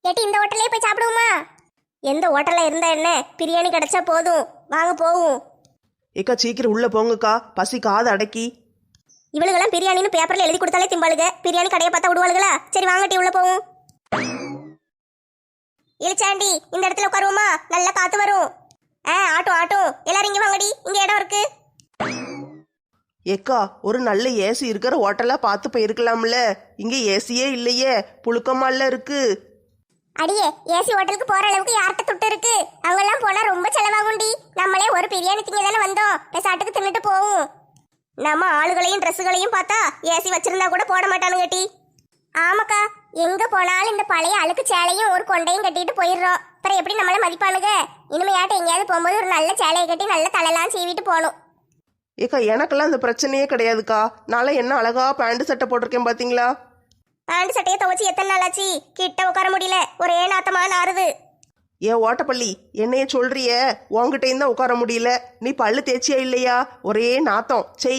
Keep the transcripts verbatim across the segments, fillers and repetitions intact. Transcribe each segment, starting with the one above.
ஏட்டி இந்த ஹோட்டல்லே போய் சாப்பிடுவோமா? எந்த ஹோட்டல்ல இருந்தா என்ன, பிரியாணி கிடைச்சா போதும், வாங்க போவோம். ஏக்கா சீக்கிரம் உள்ள போங்கக்கா, பசி காது அடக்கி. இவளுகெல்லாம் பிரியாணின்னு பேப்பர்ல எழுதி கொடுத்தாலே திம்பாளுக, பிரியாணி கடையை பார்த்தா விடுவாளுகளா? சரி வாங்கட்டி உள்ள போவோம். இளிச்சாண்டி இந்த இடத்துல உட்காருவோமா? நல்லா காத்து வரும். ஆ ஆட்டும் ஆட்டும், எல்லாரும் இங்க வாங்கடி, இங்க இடம் இருக்கு. ஏக்கா ஒரு நல்ல ஏசி இருக்கிற ஹோட்டலா பார்த்து போயிருக்கலாம்ல, இங்க ஏசியே இல்லையே, புழுக்கமால இருக்கு. அடியே ஏசி ஹோட்டலுக்கு போற அளவுக்கு யார்கிட்ட துட்டு இருக்கு? அங்கெல்லாம் போனா ரொம்ப செலவாகும்டி. நம்மளே ஒரு பிரியாணி திங்க தானே வந்தோம், சாட்டுக்கு தின்னுட்டு போவோம். நம்ம ஆளுகளையும் ட்ரெஸ்ஸுகளையும் பார்த்தா ஏசி வச்சிருந்தா கூட போட மாட்டானுங்க டி. ஆமாக்கா, எங்க போனாலும் இந்த பழைய அழுக்கு சேலையும் ஒரு கொண்டையும் கட்டிட்டு போயிடுறோம். அப்புறம் எப்படி நம்மள மதிப்பானுங்க? இனிமையாட்ட எங்கேயாவது போகும்போது ஒரு நல்ல சேலையை கட்டி நல்ல தலையெல்லாம் சீவிட்டு போகணும். ஏக்கா எனக்கெல்லாம் அந்த பிரச்சனையே கிடையாதுக்கா, நான்லாம் என்ன அழகா பேண்ட் சட்டை போட்டிருக்கேன் பாத்தீங்களா? பேண்ட் சட்டையை துவச்சி எத்தனை நாள் ஆச்சு? கிட்ட உட்கார முடியல, ஒரே நாத்தமா நாறுது. ஏன் ஓட்டப்பள்ளி என்னைய சொல்றிய? உன்கிட்டையும் தான் உட்கார முடியல, நீ பல்லு தேய்ச்சியா இல்லையா? ஒரே நாத்தம் செய்.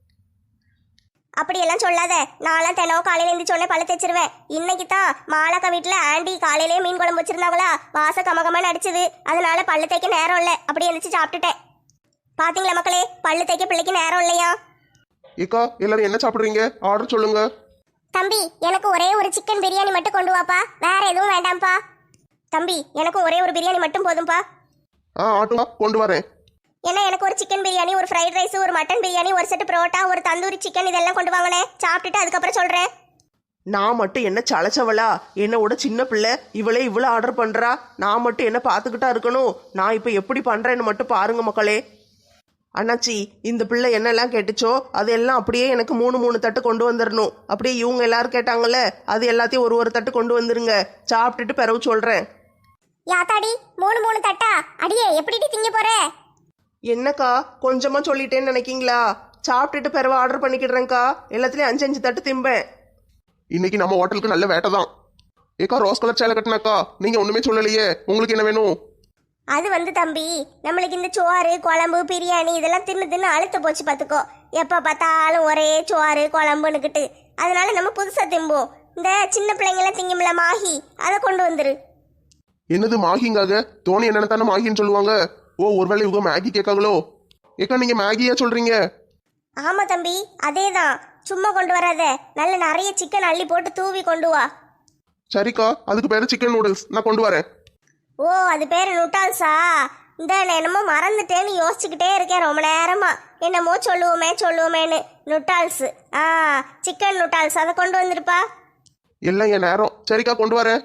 அப்படியெல்லாம் சொல்லாத, நான்லாம் தினம் காலையில எழுந்திரிச்சோடனே பழு தேய்ச்சிருவேன். இன்னைக்கு தான் மாலாக்கா வீட்டுல ஆண்டி காலையிலேயே மீன் குழம்பு வச்சிருந்தாங்களா, வாச கமகமான அடிச்சது, அதனால பல்லு தேய்க்க நேரம் இல்லை, அப்படி எழுந்திரிச்சு சாப்பிட்டுட்டேன். பாத்தீங்களா மக்களே, பல்லு தேய்க்க பிள்ளைக்கு நேரம் இல்லையா? ஏக்கா எல்லாரும் என்ன சாப்பிடுறீங்க? ஆர்டர் சொல்லுங்க. தம்பி எனக்கு ஒரே ஒரு சிக்கன் பிரியாணி மட்டும் கொண்டு வாப்பா, வேற எதுவும் வேண்டாம்ப்பா. தம்பி எனக்கு ஒரே ஒரு பிரியாணி மட்டும் போதும்பா. ஆ ஆட்டுமா கொண்டு வரேன். ஏன்னா எனக்கு ஒரு சிக்கன் பிரியாணி, ஒரு ஃப்ரைட் ரைஸ், ஒரு மட்டன் பிரியாணி, ஒரு செட்டு புரோட்டா, ஒரு தந்தூரி சிக்கன் இதெல்லாம் கொண்டு வாங்கினேன். சாப்பிட்டுட்டு அதுக்கப்புறம் சொல்றேன். நான் மட்டும் என்ன சளைச்சவளா? என்னோட சின்ன பிள்ளை இவளே இவ்வளோ ஆர்டர் பண்றா, நான் மட்டும் என்ன பார்த்துக்கிட்டா இருக்கணும்? நான் இப்போ எப்படி பண்றேன்னு மட்டும் பாருங்க மக்களே. அண்ணாச்சி இந்த பிள்ளை என்னெல்லாம் கேட்டுச்சோ அதெல்லாம் அப்படியே எனக்கு மூணு மூணு தட்டு கொண்டு வந்துடணும். அப்படியே இவங்க எல்லாரும் கேட்டாங்கல்ல, அது எல்லாத்தையும் ஒரு ஒரு தட்டு கொண்டு வந்துருங்க. சாப்பிட்டுட்டு பிறகு சொல்றேன். யாத்தாடி மூணு மூணு தட்டா? அடியே எப்படி திங்க போற? என்னக்கா கொஞ்சமா சொல்லிட்டேன்னு நினைக்கீங்களா? சாப்பிட்டுட்டு பிறகு ஆர்டர் பண்ணிக்கிடுறேங்க்கா, எல்லாத்துலயும் அஞ்சு அஞ்சு தட்டு திம்பேன். இன்னைக்கு நம்ம ஹோட்டலுக்கு நல்ல வேட்டை தான். ஏக்கா ரோஸ் கலர் சேலை கட்டினாக்கா, நீங்க ஒண்ணுமே சொல்லலையே, உங்களுக்கு என்ன வேணும்? அது வந்து தம்பி, நம்மளுக்கு இந்த சோறு குழம்பு பிரியாணி இதெல்லாம் தின்னு தின்னு அழுத்து போச்சு பார்த்துக்கோ. எப்போ பார்த்தாலும் ஒரே சோறு குழம்புன்னுக்கிட்டு, அதனால நம்ம புதுசாக திம்போம். இந்த சின்ன பிள்ளைங்களாம் திங்கும்ல மாஹி, அதை கொண்டு வந்துரு. என்னது மாகிங்காக? தோணி என்னென்ன தானே மாகின்னு சொல்லுவாங்க. ஓ ஒருவேளை இவங்க மேகி கேட்காங்களோ? ஏக்கா நீங்க மேகியா சொல்றீங்க? ஆமா தம்பி அதே தான், சும்மா கொண்டு வராத, நல்ல நிறைய சிக்கன் அள்ளி போட்டு தூவி கொண்டு வா. சரிக்கா, அதுக்கு பேரு சிக்கன் நூடுல்ஸ், நான் கொண்டு வரேன். ஓ அது பேர் நூட்டால்ஸா? இந்த நான் என்னமோ மறந்துட்டேன்னு யோசிச்சுக்கிட்டே இருக்கேன் ரொம்ப நேரமா, என்னமோ சொல்லுவோமே சொல்லுவோமேன்னு. நூட்டால்ஸ், ஆ சிக்கன் நூட்டால்ஸ், அதை கொண்டு வந்துருப்பா. எல்லாம் என் நேரம். சரிக்கா கொண்டு வரேன்.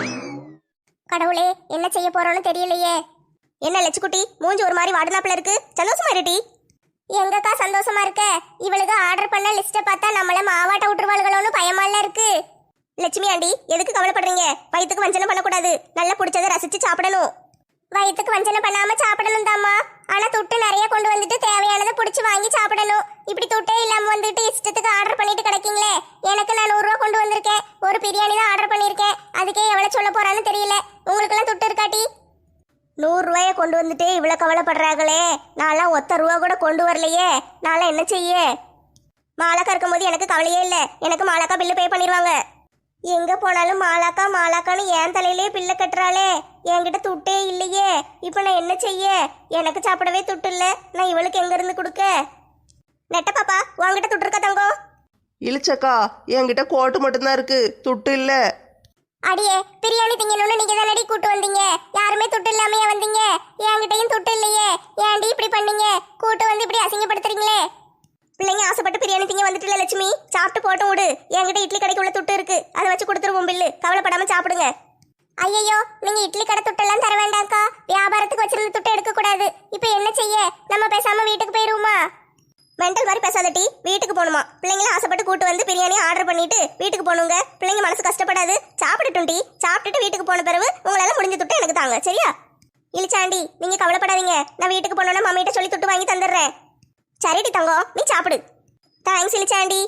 கடவுளே என்ன செய்ய போறோன்னு தெரியலையே. என்ன லட்சுக்குட்டி மூஞ்சி ஒரு மாதிரி வாடுனாப்புல இருக்கு, சந்தோஷமா இருட்டி? எங்கக்கா சந்தோஷமா இருக்க? இவளுக்கு ஆர்டர் பண்ண லிஸ்ட்டை பார்த்தா நம்மள மாவாட்ட விட்டுருவாளுகளோன்னு பயமால இருக்கு. லட்சுமி ஆண்டி எதுக்கு கவலைப்படுறீங்க? வயிற்றுக்கு வஞ்சனை பண்ணக்கூடாது, நல்லா பிடிச்சதை ரசிச்சு சாப்பிடணும். வயிற்றுக்கு வஞ்சனை பண்ணாம சாப்பிடணும் தாம்மா, ஆனா துட்டு நிறைய கொண்டு வந்துட்டு தேவையானதை பிடிச்சி வாங்கி சாப்பிடணும். இப்படி துட்டே இல்லாம வந்துட்டு இஷ்டத்துக்கு ஆர்டர் பண்ணிட்டு கிடைக்கீங்களே. எனக்கு நான் நூறுரூவா கொண்டு வந்திருக்கேன், ஒரு பிரியாணி தான் ஆர்டர் பண்ணியிருக்கேன், அதுக்கே எவ்வளோ சொல்ல போறான்னு தெரியல. உங்களுக்கெல்லாம் துட்டு இருக்காட்டி? நூறுரூவாயை கொண்டு வந்துட்டு இவ்வளோ கவலைப்படுறாங்களே, நான்லாம் ஒத்த ரூபா கூட கொண்டு வரலையே, நான்லாம் என்ன செய்ய? மாலாக்கா இருக்கும் போது எனக்கு கவலையே இல்லை, எனக்கு மாலாக்கா பில்லு பே பண்ணிடுவாங்க. எங்க போனாலும் மாலாக்கா மாலாக்கான்னு என் தலையிலே பிள்ளை கட்டுறாளே, என்கிட்ட துட்டே இல்லையே, இப்போ நான் என்ன செய்ய? எனக்கு சாப்பிடவே துட்டு இல்லை, நான் இவளுக்கு எங்க இருந்து கொடுக்க? நெட்ட பாப்பா உங்ககிட்ட துட்டு இருக்கா தங்கம்? இழிச்சக்கா என்கிட்ட கோட்டு மட்டும்தான் இருக்கு, துட்டு இல்ல. அடியே பிரியாணி திங்கணும்னு நீங்க தானடி கூட்டு வந்தீங்க, யாருமே துட்டு இல்லாமையா வந்தீங்க? என்கிட்டயும் துட்டு இல்லையே, ஏன்டி இப்படி பண்ணீங்க? கூட்டு வந்து இப்படி அசிங்கப்படுத்துறீங்களே. பிள்ளைங்க ஆசைப்பட்டு பிரியாணி திங்க வந்துட்டுல லட்சுமி, சாப்பிட்டு போட்டும் விடு. என்கிட்ட இட்லி கடைக்கு உள்ள துட்டு இருக்கு, அதை வச்சு கொடுத்துருவோம் பில்லு, கவலைப்படாம சாப்பிடுங்க. ஐயோ நீங்க இட்லி கடை துட்டெல்லாம் தர வேண்டாம்க்கா, வியாபாரத்துக்கு வச்சிருந்த துட்டு எடுக்க கூடாது. இப்போ என்ன செய்ய? நம்ம பேசாம வீட்டுக்கு போயிருவோமா? மெண்டல் மாதிரி பேசாதட்டி, வீட்டுக்கு போகணுமா? பிள்ளைங்களும் ஆசைப்பட்டு கூட்டு வந்து பிரியாணி ஆர்டர் பண்ணிட்டு வீட்டுக்கு போகணுங்க. பிள்ளைங்க மனசு கஷ்டப்படாது, சாப்பிட்டுட்டும் டி. சாப்பிட்டுட்டு வீட்டுக்கு போன பிறகு உங்களால முடிஞ்ச துட்டு எனக்கு தாங்க, சரியா? இழிச்சாண்டி நீங்க கவலைப்படாதீங்க, நான் வீட்டுக்கு போனோன்னா மம்மிட்ட சொல்லி துட்டு வாங்கி தந்துடுறேன். சரிடி தங்கம், நீ சாப்பிடு. தேங்க்ஸ் இழிச்சாண்டி.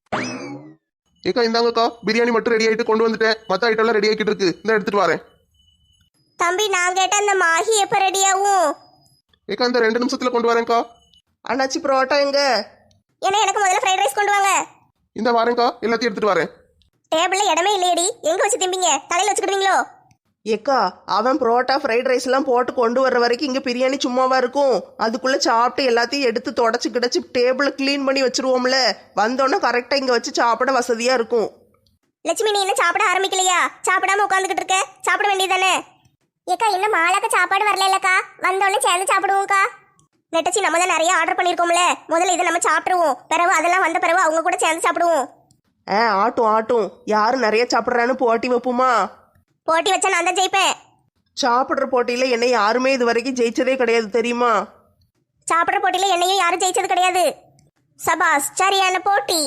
ஏக்கா இந்தாங்கக்கா, பிரியாணி மட்டும் ரெடி ஆகிட்டு கொண்டு வந்துட்டேன், மற்ற ஐட்டம் எல்லாம் ரெடி ஆகிட்டு இருக்கு, இந்த எடுத்துட்டு வரேன். தம்பி நான் கேட்ட அந்த மாஹி எப்போ ரெடி ஆகும்? ஏக்கா இந்த ரெண்டு நிமிஷத்துல கொண்டு வரேன்க்கா. அண்ணாச்சி புரோட்டா எங்க? ஏன்னா எனக்கு முதல்ல ஃப்ரைட் ரைஸ் கொண்டு வாங்க. இந்த வரேன்க்கா, எல்லாத்தையும் எடுத்துட்டு வரேன். டேபிள்ல இடமே இல்லையடி, எங்க வச்சு திம்பிங்க? தலையில வச்சுக்கிடுவீங்களோ? ஏக்கா அவன் புரோட்டா ஃப்ரைட் ரைஸ் எல்லாம் போட்டு கொண்டு வர்ற வரைக்கும் இங்க பிரியாணி சும்மாவா இருக்கும். அதுக்குள்ள சாப்பிட்டு எல்லாத்தையும் எடுத்து தொடச்சு கிடச்சி டேபிள கிளீன் பண்ணி வச்சிருவோம்ல. வந்தோடனே கரெக்டா இங்க வச்சு சாப்பிட வசதியா இருக்கும். லட்சுமி நீ என்ன சாப்பிட ஆரம்பிக்கலையா? சாப்பிடாம உட்காந்துக்கிட்டு இருக்க, சாப்பிட வேண்டியதானே? ஏக்கா இன்னும் மாலாக்க சாப்பாடு வரல இல்லக்கா, வந்தோடனே சேர்ந்து சாப்பிடுவோம்க்கா. நெட்டச்சி நம்ம தான் நிறைய ஆர்டர் பண்ணியிருக்கோம்ல, முதல்ல இதை நம்ம சாப்பிடுவோம், பிறகு அதெல்லாம் வந்த பிறகு அவங்க கூட சேர்ந்து சாப்பிடுவோம். ஆ ஆட்டும் ஆட்டும். யாரு நிறைய சாப்பிட்றான்னு போட்டி வைப்போமா? போட்டி வச்சா நான் தான் ஜெயிப்பேன். சாப்பிட்ற போட்டியில என்னை யாருமே இது வரைக்கும் ஜெயிச்சதே கிடையாது தெரியுமா? சாப்பிட்ற போட்டியில என்னையும் யாரும் ஜெயிச்சது கிடையாது. சபாஸ், சரியான போட்டி.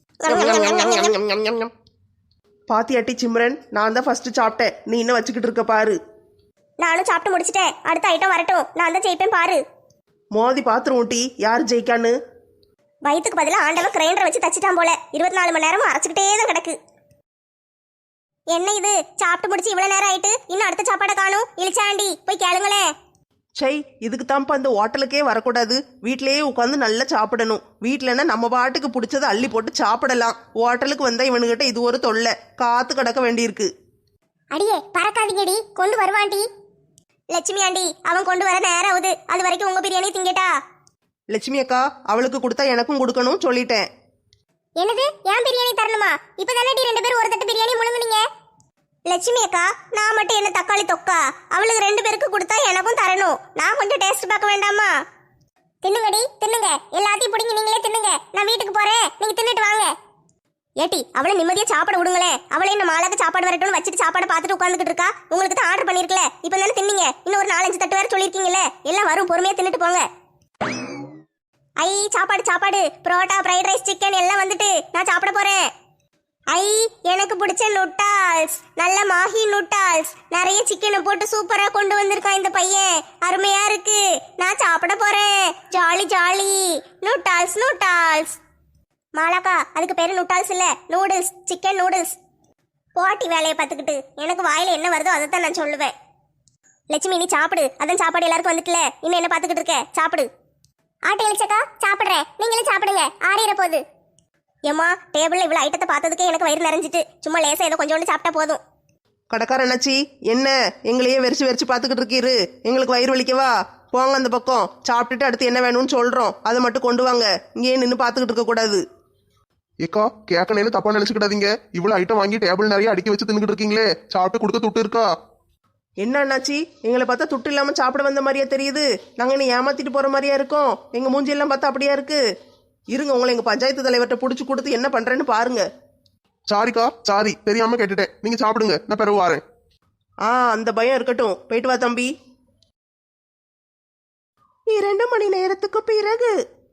பாத்தியாட்டி சிம்ரன், நான் தான் ஃபர்ஸ்ட் சாப்பிட்டேன். நீ இன்னும் வச்சுக்கிட்டு இருக்க பாரு. நானும் சாப்பிட்டு முடிச்சிட்டேன், அடுத்த ஐட்டம் வரட்டும், நான் தான் ஜெயிப்பேன் பாரு. மோதி பாத்துருவோம் டி யார் ஜெயிக்கான்னு. வயிற்றுக்கு பதிலாக ஆண்டவன் கிரைண்டரை வச்சு தச்சிட்டான் போல, இருபத்தி நாலு மணி நேரமும் அரைச்சிக்கிட்டே தான் கிடக்கு. என்ன இது, சாப்பிட்டு முடிச்சு இவ்வளவு நேரம் ஆயிட்டு இன்னும் அடுத்த சாப்பாடை காணும். இழிச்சாண்டி போய் கேளுங்களேன். சை, இதுக்கு தான்ப்பா அந்த ஹோட்டலுக்கே வரக்கூடாது. வீட்டிலேயே உட்காந்து நல்லா சாப்பிடணும். வீட்டிலன்னா நம்ம பாட்டுக்கு பிடிச்சதை அள்ளி போட்டு சாப்பிடலாம். ஹோட்டலுக்கு வந்தா இவனுகிட்ட இது ஒரு தொல்லை, காத்து கிடக்க வேண்டியிருக்கு. அடியே பறக்காதீங்கடி, கொண்டு வருவான்டி. லட்சுமி ஆண்டி அவன் கொண்டு வர நேரம் ஆகுது, அது வரைக்கும் உங்க பிரியாணி திங்கட்டா. லட்சுமி அக்கா அவளுக்கு கொடுத்தா எனக்கும் கொடுக்கணும் சொல்லிட்டேன். என்னது, ஏன் பிரியாணி தரணுமா? இப்பதானே ரெண்டு பேரும் ஒரு தட்டு பிரியாணி முழுங்குனீங்க. லட்சுமி அக்கா நான் மட்டும் என்ன தக்காளி தொக்கா? அவளுக்கு ரெண்டு பேருக்கு கொடுத்தா எனக்கும் தரணும். நான் கொஞ்சம் டேஸ்ட் பார்க்க வேண்டாமா? தின்னுங்கடி தின்னுங்க, எல்லாத்தையும் பிடிங்க நீங்களே தின்னுங்க. நான் வீட்டுக்கு போறேன், நீங்க தின்னுட்டு வாங்க. ஏட்டி அவளை நிம்மதியா சாப்பாடு விடுங்களேன். அவளே இந்த மாலாக்கு சாப்பாடு வரட்டும்னு வச்சுட்டு சாப்பாடு பார்த்துட்டு உட்காந்துக்கிட்டு இருக்கா. உங்களுக்கு தான் ஆர்டர் பண்ணிருக்கல, இப்போ தானே தின்னீங்க. இன்னும் ஒரு நாலஞ்சு தட்டு வேற சொல்லியிருக்கீங்கல்ல, எல்லாம் வரும், பொறுமையா தின்னுட்டு போங்க. ஐ சாப்பாடு சாப்பாடு, புரோட்டா ஃப்ரைட் ரைஸ் சிக்கன் எல்லாம் வந்துட்டு, நான் சாப்பிட போறேன். ஐ எனக்கு பிடிச்ச நூட்டால்ஸ், நல்ல மாஹி நூட்டால்ஸ், நிறைய சிக்கனை போட்டு சூப்பரா கொண்டு வந்திருக்கான் இந்த பையன், அருமையா இருக்கு. நான் சாப்பிட போறேன், ஜாலி ஜாலி. நூட்டால்ஸ் நூட்டால்ஸ். மாலாக்கா அதுக்கு பேரு நூட்டால்ஸ் இல்ல, நூடுல்ஸ், சிக்கன் நூடுல்ஸ். போட்டி வேலையை பார்த்துக்கிட்டு எனக்கு வாயில என்ன வருதோ அதை தான் நான் சொல்லுவேன். லட்சுமி நீ சாப்பிடு, அதான் சாப்பாடு எல்லாருக்கும் வந்துட்டுல, இன்னும் என்ன பார்த்துக்கிட்டு இருக்க, சாப்பிடு. ஆட்டை எழுச்சக்கா சாப்பிட்றேன், நீங்களும் சாப்பிடுங்க, ஆறிற போகுது. ஏம்மா டேபிள்ல இவ்வளவு ஐட்டத்தை பார்த்ததுக்கே எனக்கு வயிறு நிறைஞ்சிட்டு, சும்மா லேசா ஏதோ கொஞ்சோண்டு சாப்பிட்டா போதும். கடைக்கார அண்ணாச்சி என்ன எங்களையே வெறிச்சு வெறிச்சு பார்த்துக்கிட்டு இருக்கீரு? எங்களுக்கு வயிறு வலிக்கவா? போங்க அந்த பக்கம், சாப்பிட்டுட்டு அடுத்து என்ன வேணும்னு சொல்றோம், அதை மட்டும் கொண்டு வாங்க. இங்கேயே நின்று பார்த்துக்கிட்டு இருக்க கூடாது. ஏக்கா கேட்கணும்னு தப்பா நினைச்சுக்கிடாதீங்க. இவ்வளவு ஐட்டம் வாங்கி டேபிள் நிறைய அடுக்கி வச்சு தின்னுட்டு இருக்கீங்களே, சாப்பிட்டு கொடுக்க துட்டு இருக்கா? என்ன அண்ணாச்சி எங்களை பார்த்தா துட்டு இல்லாம சாப்பிட வந்த மாதிரியா தெரியுது? நாங்க என்ன ஏமாத்திட்டு போற மாதிரியா இருக்கோம்? எங்க மூஞ்சி எல்லாம் பார்த்தா அப்படியா இருக்கு? இருங்க உங்களை எங்க பஞ்சாயத்து தலைவர்கிட்ட புடிச்சு கொடுத்து என்ன பண்றேன்னு பாருங்க. சாரிக்கா சாரி, தெரியாம கேட்டுட்டேன். நீங்க சாப்பிடுங்க, நான் பிறகு வாரேன். ஆ அந்த பயம் இருக்கட்டும், போயிட்டு வா தம்பி. இரண்டு மணி நேரத்துக்கு பிறகு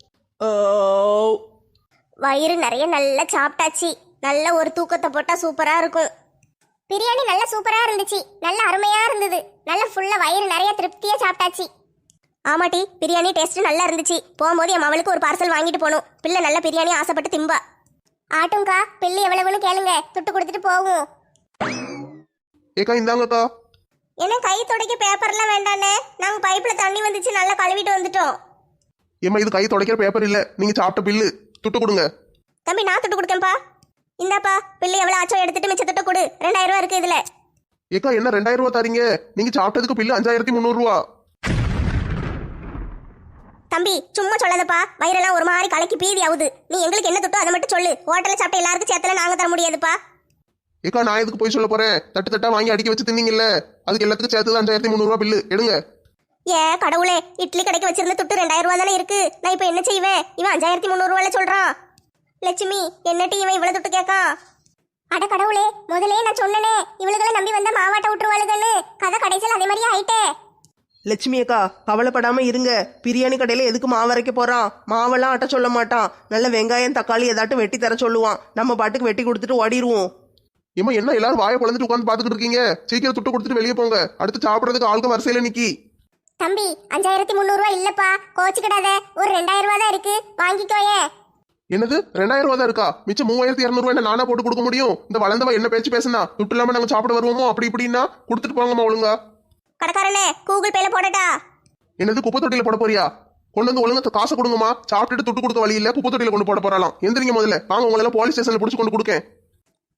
வயிறு நிறைய நல்லா சாப்பிட்டாச்சு, நல்ல ஒரு தூக்கத்தை போட்டா சூப்பரா இருக்கும். பிரியாணி நல்ல சூப்பரா இருந்துச்சு, நல்ல அருமையா இருந்தது, நல்ல ஃபுல்லா வயிறு நிறைய திருப்தியா சாப்பிட்டாச்சு. ஆமாட்டி பிரியாணி டேஸ்ட் நல்லா இருந்துச்சு. போகும்போது என் அவளுக்கு ஒரு பார்சல் வாங்கிட்டு போகணும். பிள்ளை நல்ல பிரியாணி ஆசைப்பட்டு திம்பா. ஆட்டும்க்கா பிள்ளை எவ்வளவுன்னு கேளுங்க, துட்டு கொடுத்துட்டு போவோம். ஏக்கா இந்தாங்கக்கா. என்ன கை துடைக்க பேப்பர்லாம் வேண்டானே, நாங்க பைப்ல தண்ணி வந்துச்சு நல்லா கழுவிட்டு வந்துட்டோம். ஏமா இது கை துடைக்கிற பேப்பர் இல்ல, நீங்க சாப்பிட்ட பில்லு, துட்டு கொடுங்க. தம்பி நான் துட்டு கொடுக்கேன்ப்பா. இந்தாப்பா பிள்ளை எவ்வளவு ஆச்சோ எடுத்துட்டு மிச்ச துட்டு கொடு, ரெண்டாயிரம் ரூபா இருக்கு இதுல. ஏக்கா என்ன ரெண்டாயிரம் ரூபா தரீங்க? நீங்க சாப்பிட்டதுக்கு பில்லு அஞ்சாயிரத்தி முந்நூறு ரூபா. தம்பி சும்மா சொல்லாதப்பா, வயிறெல்லாம் ஒரு மாதிரி கலக்கி பீதி ஆகுது. நீ எங்களுக்கு என்ன துட்டோ அதை மட்டும் சொல்லு, ஹோட்டல்ல சாப்பிட்ட எல்லாருக்கும் சேர்த்தல நாங்க தர முடியாதுப்பா. ஏக்கா நான் எதுக்கு போய் சொல்ல போறேன்? தட்டு தட்டா வாங்கி அடிக்க வச்சு தின்னீங்கல்ல, அதுக்கு எல்லாத்துக்கும் சேர்த்து அஞ்சாயிரத்தி முந்நூறு ரூபா பில்லு எடுங்க. ஏ கடவுளே, இட்லி கடைக்கு வச்சிருந்த துட்டு ரெண்டாயிரம் ரூபா தானே இருக்கு, நான் இப்ப என்ன செய்வேன்? இவன் அஞ்சாயிரத்தி முந்நூறு ரூபாயில சொல்றான். லட்சுமி என்னட்டி இவன் இவ்வளவு துட்டு கேட்கா? அட கடவுளே, முதலே நான் சொன்னனே இவளுகளை நம்பி வந்த மாவாட்ட விட்டுருவாளுகன்னு, கதை கடைசியில் அதே மாதிரியே ஆயிட்டே. லட்சுமி அக்கா கவலைப்படாம இருங்க. பிரியாணி கடையில எதுக்கு மாவு அரைக்க போறான்? மாவெல்லாம் ஆட்ட சொல்ல மாட்டான். நல்ல வெங்காயம் தக்காளி ஏதாட்டும் வெட்டி தர சொல்லுவான். நம்ம பாட்டுக்கு வெட்டி கொடுத்துட்டு ஓடிடுவோம். ஏமா என்ன எல்லாரும் வாயை குழந்துட்டு உட்காந்து பாத்துக்கிட்டு இருக்கீங்க? சீக்கிரம் துட்டு கொடுத்துட்டு வெளியே போங்க, அடுத்து சாப்பிடறதுக்கு ஆளுக்கு வரிசையில நிக்கி. தம்பி அஞ்சாயிரத்தி முந்நூறு ரூபாய் இல்லப்பா, கோச்சுக்கிடாத, ஒரு ரெண்டாயிரம் ரூபா தான் இருக்கு, வாங்கிக்கோயே. என்னது ரெண்டாயிரம் ரூபா தான் இருக்கா? மிச்சம் மூவாயிரத்தி இருநூறு ரூபாய் நானா போட்டு கொடுக்க முடியும்? இந்த வளர்ந்தவ என்ன பேச்சு பேசுனா, துட்டு இல்லாம நாங்க சாப்பிட வருவோமோ அப்படி இப்படின்னா கொடுத்துட்டு போங்கம்மா ஒழுங்கா. கடைக்காரனே கூகுள் பேல போடட்டா? என்னது குப்பை தொட்டியில போட போறியா? கொண்டு வந்து ஒழுங்கா காசை கொடுங்கம்மா. சாப்பிட்டுட்டு துட்டு கொடுக்க வழி இல்ல, குப்பை தொட்டியில கொண்டு போட போறாலாம். எந்திரிங்க முதல்ல, வாங்க உங்களை எல்லாம் போலீஸ் ஸ்டேஷன்ல புடிச்சு கொண்டு கொடுக்கேன்.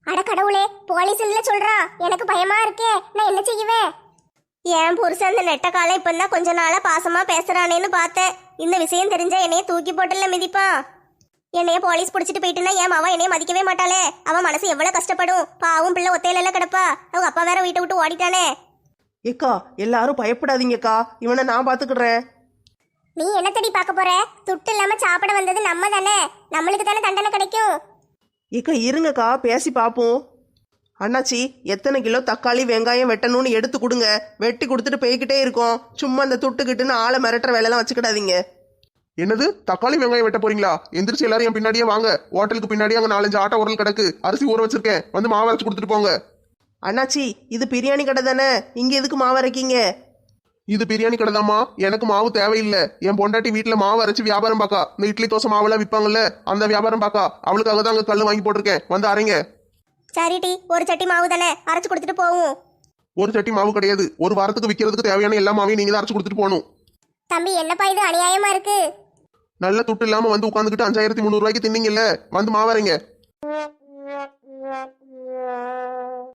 அட கடவுளே, போலீஸ்ல சொல்றா, எனக்கு பயமா இருக்கே, நான் என்ன செய்வேன்? என் புருஷன் அந்த நெட்ட காலம் இப்பதான் கொஞ்ச நாளா பாசமா பேசுறானேன்னு பார்த்தேன். இந்த விஷயம் தெரிஞ்சா என்னைய தூக்கி போட்டுல மிதிப்பான். என்னைய போலீஸ் பிடிச்சிட்டு போயிட்டுனா என் மாவா என்னைய மதிக்கவே மாட்டாளே. அவன் மனசு எவ்வளவு கஷ்டப்படும். பாவும் பிள்ளை ஒத்தையில கிடப்பா. அவங்க அப்பா வேற வீட்டை விட்டு ஓடிட்டானே. ஏக்கா எல்லாரும் பயப்படாதீங்கக்கா, இவனை நான் பாத்துக்கிடுறேன். நீ என்ன தேடி பார்க்க போற? துட்டு இல்லாம சாப்பிட வந்தது நம்ம தானே, நம்மளுக்கு தானே தண்டனை கிடைக்கும். ஏக்கா இருங்கக்கா, பேசி பார்ப்போம். அண்ணாச்சி, எத்தனை கிலோ தக்காளி வெங்காயம் வெட்டணும்னு எடுத்து கொடுங்க. வெட்டி கொடுத்துட்டு போய்கிட்டே இருக்கோம். சும்மா அந்த துட்டுக்கிட்டுன்னு ஆளை மிரட்டுற வேலைலாம் வச்சுக்கிடாதீங்க. என்னது தக்காளி வெங்காயம் வெட்ட போறீங்களா? எந்திரிச்சு எல்லாரும் என் பின்னாடியே வாங்க. ஹோட்டலுக்கு பின்னாடியே அங்க நாலஞ்சு ஆட்டோ உரல் கிடக்கு, அரிசி ஊற வச்சிருக்கேன், வந்து மாவு அரைச்சு கொடுத்துட்டு போங்க. அண்ணாச்சி, இது பிரியாணி கடை தானே, இங்க எதுக்கு மாவு அரைக்கீங்க? இது பிரியாணி கடைதாம்மா, எனக்கு மாவு தேவையில்லை. என் பொண்டாட்டி வீட்டுல மாவு அரைச்சு வியாபாரம் பாக்கா. இந்த இட்லி தோசை மாவுலாம் விற்பாங்கல்ல, அந்த வியாபாரம் பாக்கா. அவளுக்காக தான் அங்க கல்லு வாங்கி போட்டிருக்கேன், வந்து அரைங்க. சரி டி, ஒரு சட்டி மாவு தானே, அரைச்சு கொடுத்துட்டு போவோம். ஒரு சட்டி மாவு கிடையாது, ஒரு வாரத்துக்கு விற்கிறதுக்கு தேவையான எல்லா மாவையும் நீங்க தான் அரைச்சு கொடுத்துட்டு போகணும். தம்பி, என்னப்பா இது அநியாயமா இருக்கு? நல்ல துட்டு இல்லாம வந்து உட்காந்துக்கிட்டு அஞ்சாயிரத்தி முந்நூறு ரூபாய்க்கு தின்னீங்கல்ல, வந்து மாவு அரைங்க.